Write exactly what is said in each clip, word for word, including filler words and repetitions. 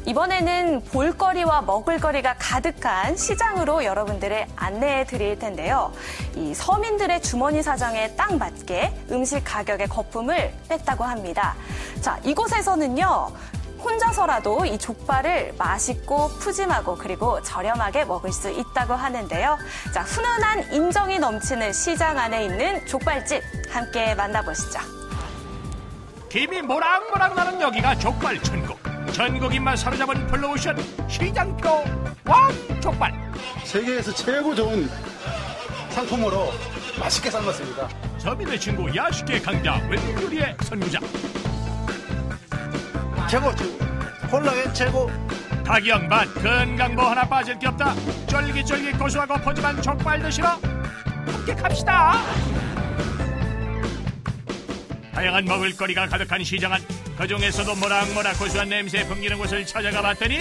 이번에는 볼거리와 먹을거리가 가득한 시장으로 여러분들을 안내해 드릴 텐데요. 이 서민들의 주머니 사정에 딱 맞게 음식 가격의 거품을 뺐다고 합니다. 자, 이곳에서는요. 혼자서라도 이 족발을 맛있고 푸짐하고 그리고 저렴하게 먹을 수 있다고 하는데요. 자, 훈훈한 인정이 넘치는 시장 안에 있는 족발집 함께 만나보시죠. 김이 모락모락 나는 여기가 족발 천국. 전국인만 사로잡은 블루오션 시장표 왕족발. 세계에서 최고 좋은 상품으로 맛있게 삶았습니다. 서민의 친구 야식계 강자 웬요리의 선구자. 최고 최고. 콜라겐 최고. 가격 맛 건강 뭐 하나 빠질 게 없다. 쫄깃쫄깃 고소하고 푸짐한 족발 드시러 함께 갑시다. 다양한 먹을거리가 가득한 시장 안, 그중에서도 모락모락 고소한 냄새 풍기는 곳을 찾아가 봤더니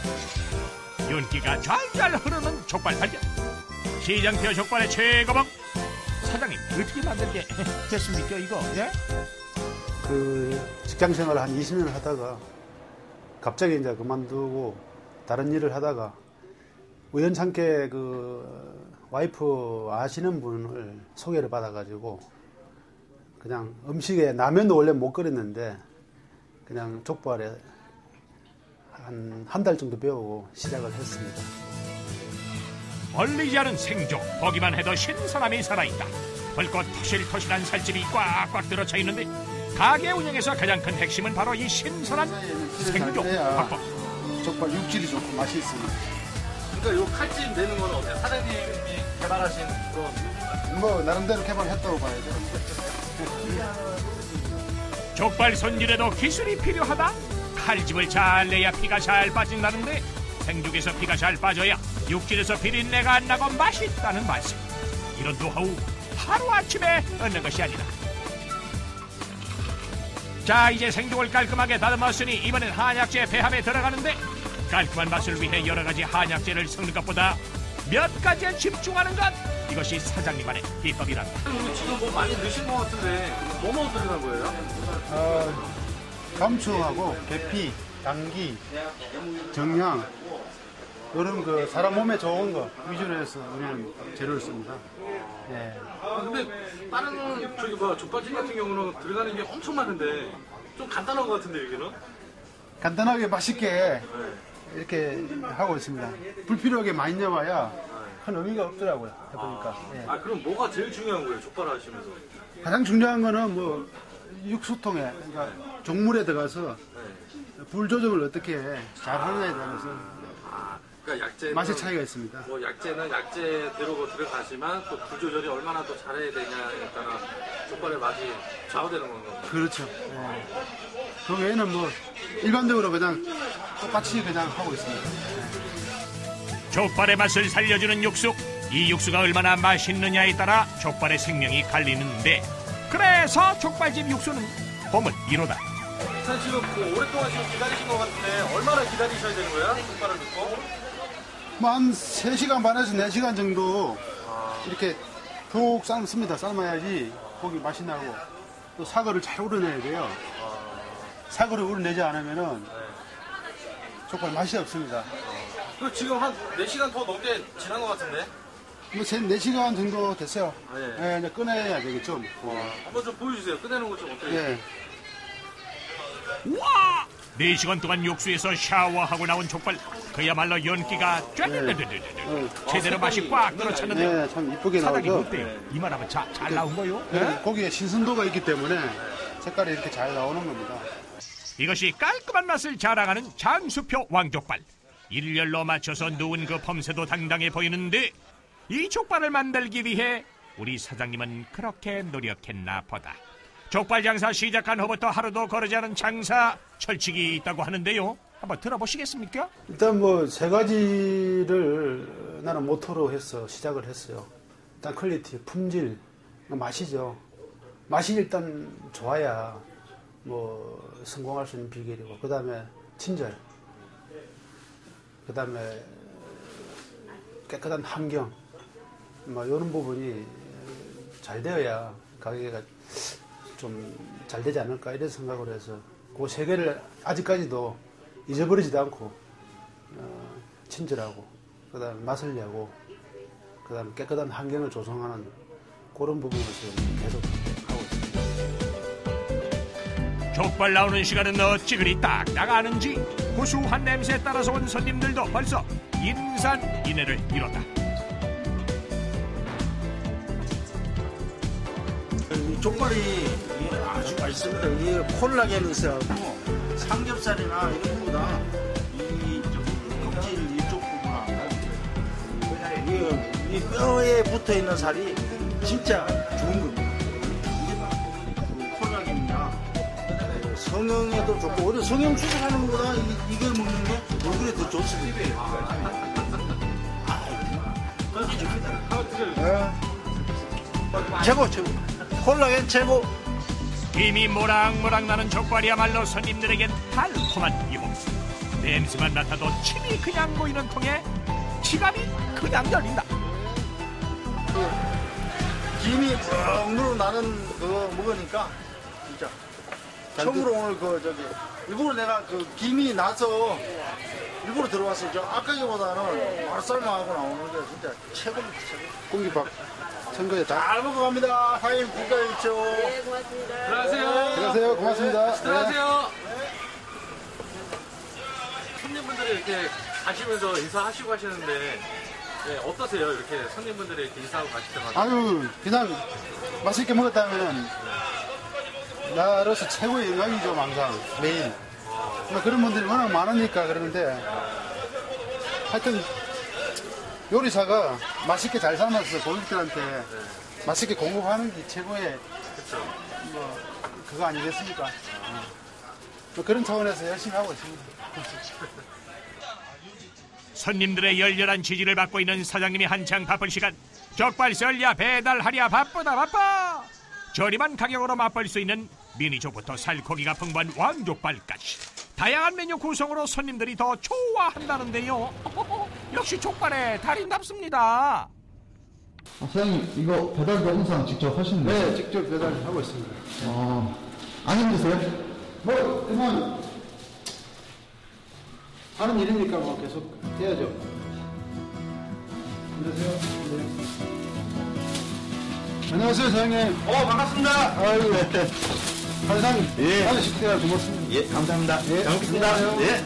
윤기가 잘 흐르는 족발 발견. 시장표 족발의 최고봉. 사장님 어떻게 만들게 됐습니까 이거? 예? 그 직장 생활을 한 이십 년 하다가 갑자기 이제 그만두고 다른 일을 하다가 우연찮게 그 와이프 아시는 분을 소개를 받아가지고 그냥 음식에 라면도 원래 못 끓였는데 그냥 족발에 한 한 달 정도 배우고 시작을 했습니다. 얼리지 않은 생족, 보기만 해도 신선함이 살아있다. 불꽃 토실토실한 살집이 꽉꽉 들어차 있는데 가게 운영에서 가장 큰 핵심은 바로 이 신선한 생족 확보. 족발 육질이 좋고 맛이 있습니다. 그러니까 요 칼집 내는 건 어때요? 사장님이 개발하신 그런 뭐 나름대로 개발했다고 봐야죠. 족발 손질에도 기술이 필요하다. 칼집을 잘 내야 피가 잘 빠진다는데 생죽에서 피가 잘 빠져야 육질에서 비린내가 안 나고 맛있다는 말씀. 이런 노하우 하루아침에 얻는 것이 아니다. 자, 이제 생죽을 깔끔하게 다듬었으니 이번엔 한약재 배합에 들어가는데 깔끔한 맛을 위해 여러 가지 한약재를 섞는 것보다 몇 가지에 집중하는 것, 이것이 사장님만의 비법이란다. 지금 뭐 많이 넣으신 것 같은데 뭐 뭐 들어간 거예요? 어, 감추하고 계피, 당기, 정향 이런 그 사람 몸에 좋은 거 위주로 해서 우리는 재료를 씁니다. 예. 아, 근데 다른 저기 뭐 족발집 같은 경우는 들어가는 게 엄청 많은데 좀 간단한 것 같은데 여기는? 간단하게 맛있게 이렇게 하고 있습니다. 불필요하게 많이 넣어봐야 큰 의미가 없더라고요. 해보니까. 예. 아 그럼 뭐가 제일 중요한 거예요? 족발 하시면서? 가장 중요한 거는 뭐 육수통에 그러니까 종물에 들어가서 불 조정을 어떻게 잘 하느냐에 따라서 아, 그러니까 약재는 맛의 차이가 있습니다. 뭐 약재는 약재대로 들어가지만 또 불 조절이 얼마나 더 잘해야 되냐에 따라 족발의 맛이 좌우되는 건가요? 그렇죠. 예. 그 외에는 뭐 일반적으로 그냥 똑같이 그냥 하고 있습니다. 예. 족발의 맛을 살려주는 육수. 이 육수가 얼마나 맛있느냐에 따라 족발의 생명이 갈리는데, 그래서 족발집 육수는 보물 일 호다. 사실 지금 그 오랫동안 지금 기다리신 것 같은데 얼마나 기다리셔야 되는 거야? 족발을 넣고? 뭐 한 세 시간 반에서 네 시간 정도 이렇게 푹 삶습니다. 삶아야지 고기 맛이 나고 또 사과를 잘 우려내야 돼요. 사과를 우려내지 않으면은 족발 맛이 없습니다. 그 지금 한 네 시간 더 넘게 지난 것 같은데? 뭐 네 시간 정도 됐어요. 아, 예. 예, 이제 꺼내야 되겠죠. 한번 좀 보여주세요. 꺼내는 거 좀 어때요? 예. 와! 네 시간 동안 육수에서 샤워하고 나온 족발, 그야말로 연기가 쫙 제대로 맛이 꽉 들어찼는데 네, 참 이쁘게 사장님 나오죠. 어때요? 이만하면 자, 잘 나온 거요? 네, 고기에 신선도가 있기 때문에 색깔이 이렇게 잘 나오는 겁니다. 이것이 깔끔한 맛을 자랑하는 장수표 왕족발. 일렬로 맞춰서 누운 그 범새도 당당해 보이는데 이 족발을 만들기 위해 우리 사장님은 그렇게 노력했나 보다. 족발 장사 시작한 후부터 하루도 거르지 않은 장사 철칙이 있다고 하는데요. 한번 들어보시겠습니까? 일단 뭐 세 가지를 나는 모토로 해서 시작을 했어요. 일단 퀄리티, 품질, 맛이죠. 맛이 일단 좋아야 뭐 성공할 수 있는 비결이고, 그 다음에 친절, 그 다음에 깨끗한 환경, 뭐 이런 부분이 잘 되어야 가게가 좀 잘 되지 않을까 이런 생각을 해서 그 세 개를 아직까지도 잊어버리지도 않고 어, 친절하고 그다음 맛을 내고 그다음 깨끗한 환경을 조성하는 그런 부분을 지금 계속 하고 있습니다. 족발 나오는 시간은 어찌 그리 딱딱 아는지 고소한 냄새에 따라서 온 손님들도 벌써 인산인해를 이뤘다. 이 족발이 이게 아주 맛있습니다. 이게 콜라겐이 있어갖고 삼겹살이나 이런 거보다 이 껍질 이쪽 부분하고 이, 이 뼈에 붙어 있는 살이 진짜 좋은 겁니다. 이게 콜라겐이나 성형에도 좋고 오히려 성형 수술하는 것보다 이, 이걸 먹는 게 얼굴에 더 좋습니다. 네. 최고 최고. 콜라겐 최고. 김이 모락모락 나는 족발이야말로 손님들에겐 달콤한 유혹. 냄새만 맡아도 침이 그냥 고이는 통에 지갑이 그냥 열린다. 김이 뻥 나는 그거 먹으니까 진짜 처음으로 오늘 그 저기 일부러 내가 그 김이 나서 일부러 들어왔어요. 저 아까기보다는 바로 삶아하고 나오는 게 진짜 최고입니다. 최고. 공기밥 선거에 다 잘 먹어갑니다. 사장님 국가일죠. 네, 고맙습니다. 들어가세요. 들어가세요. 고맙습니다. 들어가세요. 손님분들이 이렇게 가시면서 인사하시고 하시는데 네, 어떠세요? 이렇게 손님분들이 이렇게 인사하고 가실 때마다. 아유 그냥 맛있게 먹었다면 나로서 최고의 영광이죠. 항상 매일 뭐 그런 분들이 워낙 많으니까 그러는데 하여튼 요리사가 맛있게 잘 삶아서 고객들한테 맛있게 공급하는 게 최고의 그렇죠. 뭐 그거 아니겠습니까? 뭐 그런 차원에서 열심히 하고 있습니다. 손님들의 열렬한 지지를 받고 있는 사장님이 한창 바쁜 시간. 족발 썰랴 배달하랴 바쁘다 바빠. 저렴한 가격으로 맛볼 수 있는 미니족부터 살코기가 풍부한 왕족발까지 다양한 메뉴 구성으로 손님들이 더 좋아한다는데요. 역시 족발의 달인답습니다. 아, 사장님 이거 배달도 항상 직접 하시는 거예요? 네, 직접 배달하고 있습니다. 아, 안 힘드세요? 뭐 그냥 하는 일이니까 뭐 계속 해야죠. 안녕하세요. 네. 안녕하세요, 사장님. 어 반갑습니다. 아유, 사장님. 예. 아주 식대가 고맙습니다. 예 감사합니다. 예, 잘 먹겠습니다. 예.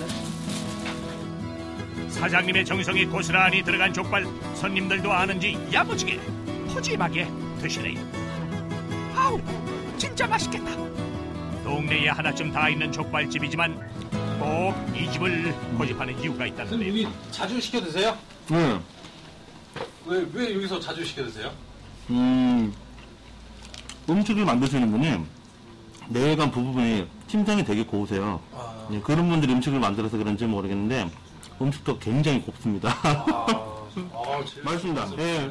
사장님의 정성이 고스란히 들어간 족발 손님들도 아는지 야무지게 푸짐하게 드시네요. 아우 진짜 맛있겠다. 동네에 하나쯤 다 있는 족발집이지만 꼭 이 집을 고집하는 이유가 있다는데요. 여기 자주 시켜 드세요? 네. 왜, 왜 여기서 자주 시켜 드세요? 음, 음식을 만드시는 분이 뇌관 부부분이 침상이 되게 고우세요. 아. 예, 그런 분들이 음식을 만들어서 그런지 모르겠는데 음식도 굉장히 곱습니다. 아, 아 제일 맛있습니다. 예.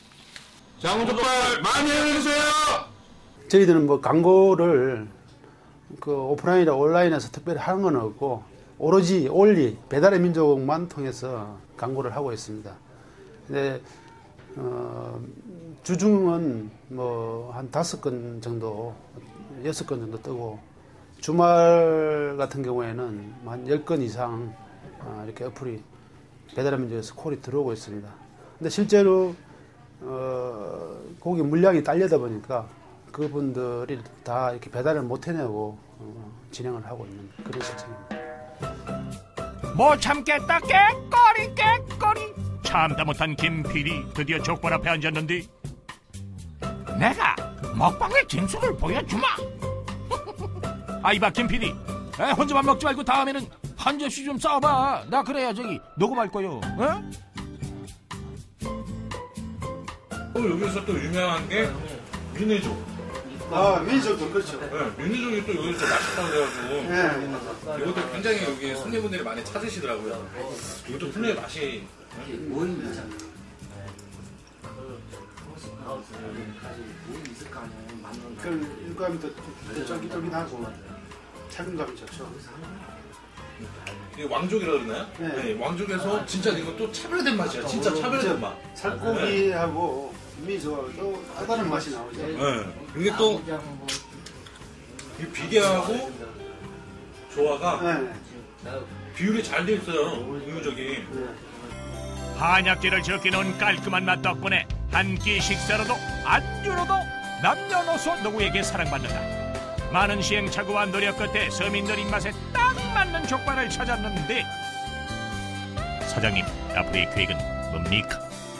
장훈족발 많이 해주세요. 저희들은 뭐 광고를 그 오프라인이나 온라인에서 특별히 하는 건 없고 오로지 올리 배달의 민족만 통해서 광고를 하고 있습니다. 근데 어, 주중은 뭐 한 다섯 건 정도, 여섯 건 정도 뜨고 주말 같은 경우에는 한 열 건 이상 어, 이렇게 어플이 배달의 민족에서 콜이 들어오고 있습니다. 근데 실제로 어, 고기 물량이 딸려다 보니까 그분들이 다 이렇게 배달을 못 해내고 어, 진행을 하고 있는 그런 실정입니다. 못 참겠다 깨꼬리 깨꼬리. 참다 못한 김 피디 드디어 족발 앞에 앉았는데 내가 먹방의 진수를 보여주마. 아이봐 김 피디 혼자만 먹지 말고 다음에는 한 접시 좀 싸워봐. 나 그래야 저기 녹음할 거요. 어? 또 여기서 또 유명한 게 윤회족. 아, 민족도 그렇죠. 네, 윤회족이 또 여기서 맛있다고 그래가지고 네. 이것도 굉장히 여기 손님분들이 많이 찾으시더라고요. 이것도 분명히 맛이 그 일감이 더 쫄깃쫄깃하고 착용감이 좋죠. 이게 왕족이라 그러나요? 네. 네, 왕족에서 진짜 이것도 차별된 맛이야. 진짜 차별된 맛. 살코기하고 미소도 다른 맛이 나오죠. 네. 이게 또 이 비계하고 조화가 네. 비율이 잘 돼 있어요. 우유적이. 한약재를 적게 넣은 깔끔한 맛 덕분에 한 끼 식사로도 안주로도 남녀노소 누구에게 사랑받는다. 많은 시행착오와 노력 끝에 서민들 입맛에 딱 맞는 족발을 찾았는데 사장님, 앞으로의 계획은 뭡니까?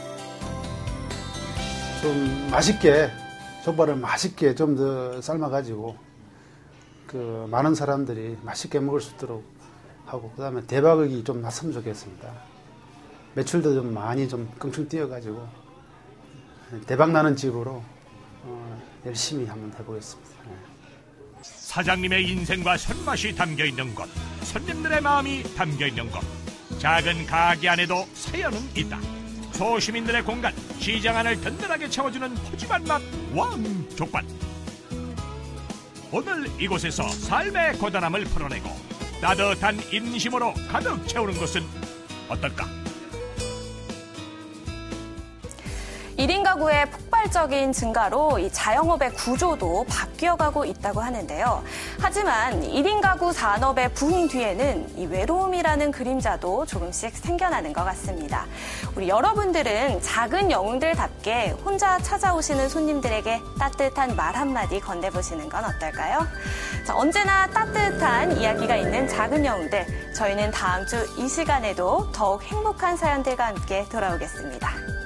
좀 맛있게 족발을 맛있게 좀 더 삶아가지고 그 많은 사람들이 맛있게 먹을 수 있도록 하고 그다음에 대박이 좀 났으면 좋겠습니다. 매출도 좀 많이 좀 껑충 뛰어가지고 대박 나는 집으로 어, 열심히 한번 해보겠습니다. 네. 사장님의 인생과 손맛이 담겨있는 곳, 손님들의 마음이 담겨있는 곳, 작은 가게 안에도 사연은 있다. 소시민들의 공간, 시장 안을 든든하게 채워주는 푸짐한 맛 왕족발. 오늘 이곳에서 삶의 고단함을 풀어내고 따뜻한 인심으로 가득 채우는 것은 어떨까? 일 인 가구의 폭발적인 증가로 이 자영업의 구조도 바뀌어가고 있다고 하는데요. 하지만 일 인 가구 산업의 부흥 뒤에는 이 외로움이라는 그림자도 조금씩 생겨나는 것 같습니다. 우리 여러분들은 작은 영웅들답게 혼자 찾아오시는 손님들에게 따뜻한 말 한마디 건네보시는 건 어떨까요? 자, 언제나 따뜻한 이야기가 있는 작은 영웅들. 저희는 다음 주 이 시간에도 더욱 행복한 사연들과 함께 돌아오겠습니다.